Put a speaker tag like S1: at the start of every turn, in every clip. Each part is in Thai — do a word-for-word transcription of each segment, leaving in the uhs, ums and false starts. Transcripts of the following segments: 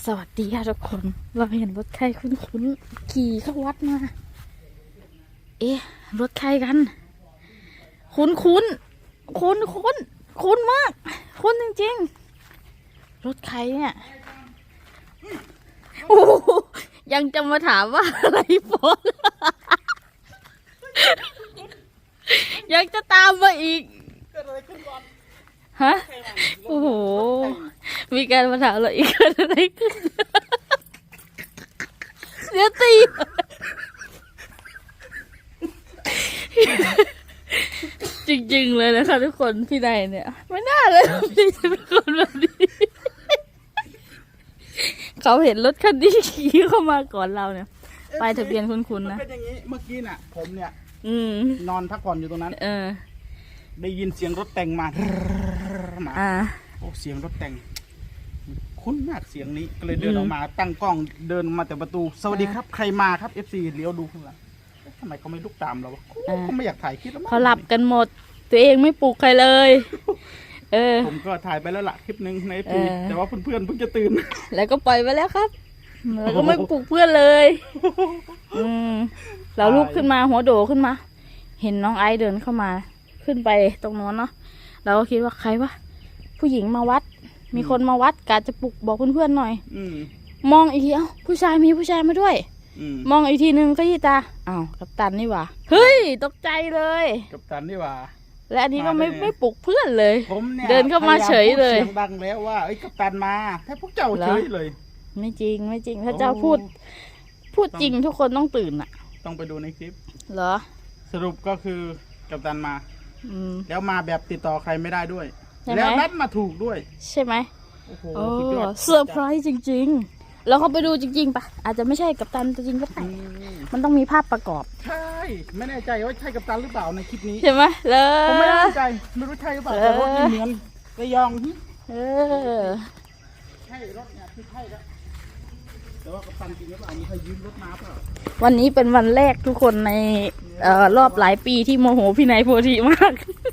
S1: สวัสดีค่ะทุกคนเราเห็นรถใครคุ้นๆขี่เข้าวัดมาเอ๊ะรถใครกันคุ้นคุ้นคุ้นคุ้นคุ้นมากคุ้นจริงๆรถใครเนี่ยโอ้ยังจะมาถามว่าอะไรฟอนยังจะตามมาอีกฮะโอ้โหมีการมาถามเราอีกเกิดอะไรขึ้นเสียตีจริงๆเลยนะคะทุกคนพี่นายเนี่ยไม่น่าเลยพี่จะเป็นคนแบบนี้เขาเห็นรถคันนี้ขี่เข้ามาก่อนเราเนี่ยไปทะเบียนคุ้นๆนะ
S2: เป็นอย่างนี้เมื่อกี้น่ะผมเนี่ย
S1: อืม
S2: นอนพักผ่อนอยู่ตรงนั้น
S1: เออ
S2: ได้ยินเสียงรถแต่งมามา
S1: อ่า
S2: โอ้เสียงรถแต่งคุ้นมากเสียงนี้ก็เลยเดินออกมาตั้งกล้องเดินมาแต่ประตูสวัสดีครับใครมาครับ เอฟ ซี เลี้ยวดูข้างหลังทำไมเขาไม่ลุกตามเราวะเขาไม่อยากถ่ายคลิปแล้วมั้ง
S1: เขาหลับกันหมดตัวเองไม่ปลุกใครเลยเออ
S2: ผมก็ถ่ายไปแล้วล่ะคลิปนึงใน เอฟ
S1: เอ
S2: ซี
S1: อ
S2: แต่ว่าเพื่อนๆเพิ่งจะตื่น
S1: แล้วก็ปล่อยไปแล้วครับแล้วก็ไม่ปลุกเพื่อนเลยอืมเราลุกขึ้นมาหัวโดขึ้นมา เห็นน้องไอซ์เดินเข้ามาขึ้นไปตรงโน้นเนาะเราก็คิดว่าใครวะผู้หญิงมาวัดมีคนมาวัดกะจะปลุกบอกเพื่อนๆหน่อย
S2: อืม
S1: มองอีกทีเอ้าผู้ชายมีผู้ชายมาด้วย
S2: อืม
S1: มองอีกทีนึงก็ยี่ตาอ้าวกัปตันนี่หว่าเฮ้ยตกใจเลย
S2: กับตันนี่ว่า
S1: และอันนี้ก็ไม่ไม่ปลุกเพื่อนเลย
S2: ผมเนี่ย
S1: เดินเข้ามาเฉยเลย
S2: พาามพูดเสียงดังแล้วว่าเอ้ยกับตันมาแค่พวกเจ้าเฉยเลย
S1: ไม่จริงไม่จริงถ้าเจ้าพูดพูดจริงทุกคนต้องตื่นอ่ะ
S2: ต้องไปดูในคลิป
S1: เหรอ
S2: สรุปก็คือกัปตันมา
S1: อืม
S2: แล้วมาแบบติดต่อใครไม่ได้ด้วย
S1: ใช่ไหม
S2: แล้วนัดมาถูกด้วย
S1: ใช่ไหม
S2: โอ้โห
S1: โอ้
S2: สุดยอด
S1: เซอร์ไพรส์จริงๆแล้วเขาไปดูจริงๆปะอาจจะไม่ใช่กัปตันตัวจริงก็ได้
S2: อืม
S1: มันต้องมีภาพประกอบ
S2: ใช่ไม่แน่ใจว่าใช่กัปตันหรือเปล่าในคลิปนี้
S1: ใช่ไหมเล
S2: ผมไม่
S1: ย
S2: แน่ใจไม่รู้ใช่หรือเปล่าแต่รถนี่เหมือนระยองหึ
S1: เออ
S2: ใช่รถเนี่ยคือใช่แล้วแต่ว่ากัปตันจริงหรือเปล่ามีใครยืมรถมาเปล่า
S1: วันนี้เป็นวันแรกทุกคนในเอ่อรอบหลายปีที่โมโหพี่นายโพธิมาก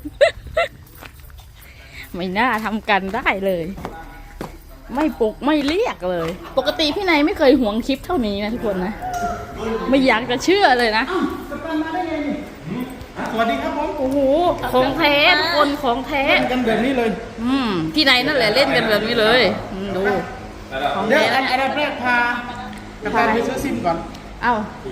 S1: ไม่น่าทำกันได้เลย ไม่ปลุกไม่เรียกเลย ปกติพี่นายไม่เคยหวงคลิปเท่านี้นะทุกคนนะไม่อยากจะเชื่อเลยนะ
S2: กัปตันมาได้ไงนี่สวัสดีครับผม
S1: โอ้โหของแท้ทุกคนของแท้
S2: เล่นกันแบบนี้เลย
S1: อืมพี่นายนั่นแหละเล่นกันแบบนี้เลยอืมดูของ
S2: เดี๋ยว
S1: แท้
S2: อันดับแรกพากัปตันไปซื้อซิมก่อน
S1: เอ้า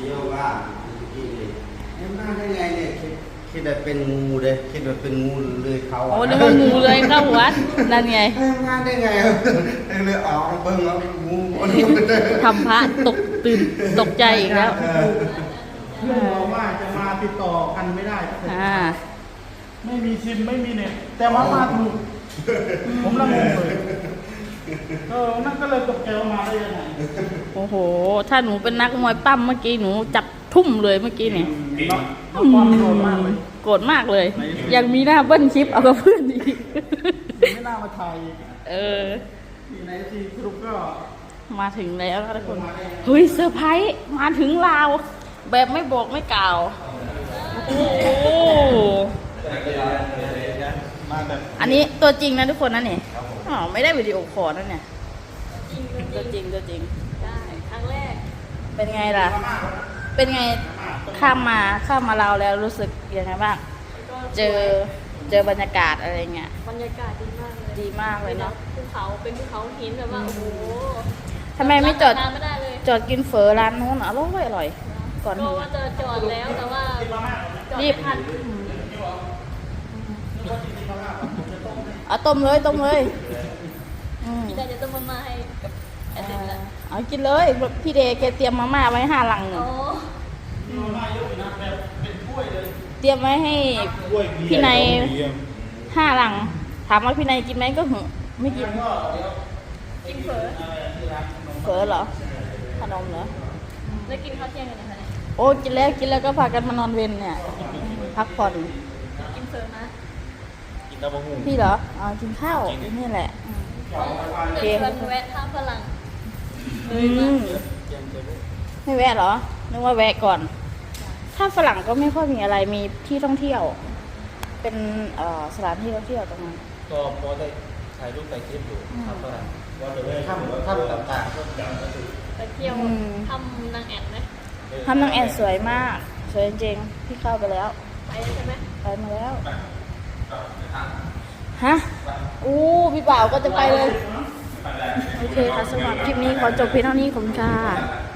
S3: มาได้ไงเนี่ยคิดคิดว่าเป็นงูเลยคิดว่าเป็นงูเลยเขา
S1: โอ้นึกว่างูเลยเข้าวัดนั่นไง
S3: มาได้ไงเลยออกเบิ่งเอางู
S1: ทำพระตกตื่นตกใจอีกแล้ว
S2: เพื่อนบอกว่าจะมาติดต่อกันไม่ได้
S1: อ่า
S2: ไม่มีซิมไม่มีเน็ตแต่ว่ามาถูกผมละงงเลยเออนั่นก็เลยตกใจว่ามาได้ยังไง
S1: โอ้โหถ้าหนูเป็นนักมวยปั้มเมื่อกี้หนูจับทุ่มเลยเมื่อกี้เนี่ย
S2: เนาะความโกรธมากเลย
S1: โกรธมากเลย ยังมีหน้าเบิ้ลคลิปเอากับเพื่อนอีก
S2: ไม่น่ามาถ่าย
S1: เออ
S2: ที่ในที่สรุปก็
S1: มาถึงแล้วทุกคนเฮ้ยเซอร์ไพรส์มาถึงลาวแบบไม่บอกไม่กล่าวโอ้โห
S2: มาแบบ
S1: อันนี้ตัวจริงนะทุกคนนะเนี่ยอ๋อไม่ได้วิดีโอคอลนะเนี่ยตัวจริงตัวจริงได้ครั้งแรกเป็นไงล่ะ เป็นไงข้ามมาข้ามมาลาวแล้วรู้สึกยังไงบ้างเจอเจอบรรยากาศอะไรเงี้ย
S4: บรรยากาศดีมากเลย
S1: ดีมากเลยเนาะ
S4: ภูเขาเป็นภูเขาหินแบบว่าโอ้โห
S1: ทำไมไม่จอด
S4: ทานไม่ได้เลย
S1: จอดกินเฝอร้านนู้นอร่อยอร่อยก่อน
S4: ก็
S1: ถึง
S4: ว่าจะจอดแล้วแต่ว่าจอด
S1: รีบ
S4: ไม่ทัน
S1: เอาต้มเลยต้มเลยอืม
S4: พี่ได้จะต้องมามาให้กับแอดเดนละ
S1: เอากินเลยพี่เดย์แกเตรียมมาม่าไว้ห้าลังหนึ่
S4: โอ้
S1: งเตรียมไว้ให้พี่นายห้าลัง ถามว่าพี่นายกินไหมก็หึไม่กิน
S4: กินเฝอ
S1: เฝอเหรอขนมเหรอ
S4: แล้วกินข้าวเที่ยงกันนะคะเนี่ย
S1: โอ้กินแล้วกินแล้วก็พากันมานอนเวนเนี่ยพักผ่อน
S4: กินเฝอนะ
S1: พี่เหรออ๋อกินข้าวนี่แหละ
S4: เดี๋ยวชวนแวะท่าฝรั่ง
S1: อืมไม่แวะเหรอนึกว่าแวะก่อน ถ้าฝรั่งก็ไม่ค่อยมีอะไรมีที่ท่องเที่ยว เป็นเอ่อสถานที่ท่องเที่ยวตรงนั้น
S3: ก็พอได้ถ่ายรูปถ่ายคลิปอยู่ครับฝรั่งว่าเดี๋ยวเลยถ้ำถ้ำต่างๆก็จะมาดู
S4: ไปเที่ยวทำนางแอ่นไหม
S1: ทำนางแอนสวยมาก สวยจริงๆพี่เข้าไปแล้ว
S4: ไปใช่ไหม
S1: ไปมาแล้ว ฮะ อู้พี่บ่าวก็จะไปเลย โอเคค่ะสำหรับคลิปนี้ขอจบเพียงเท่านี้ขอบคุณค่ะ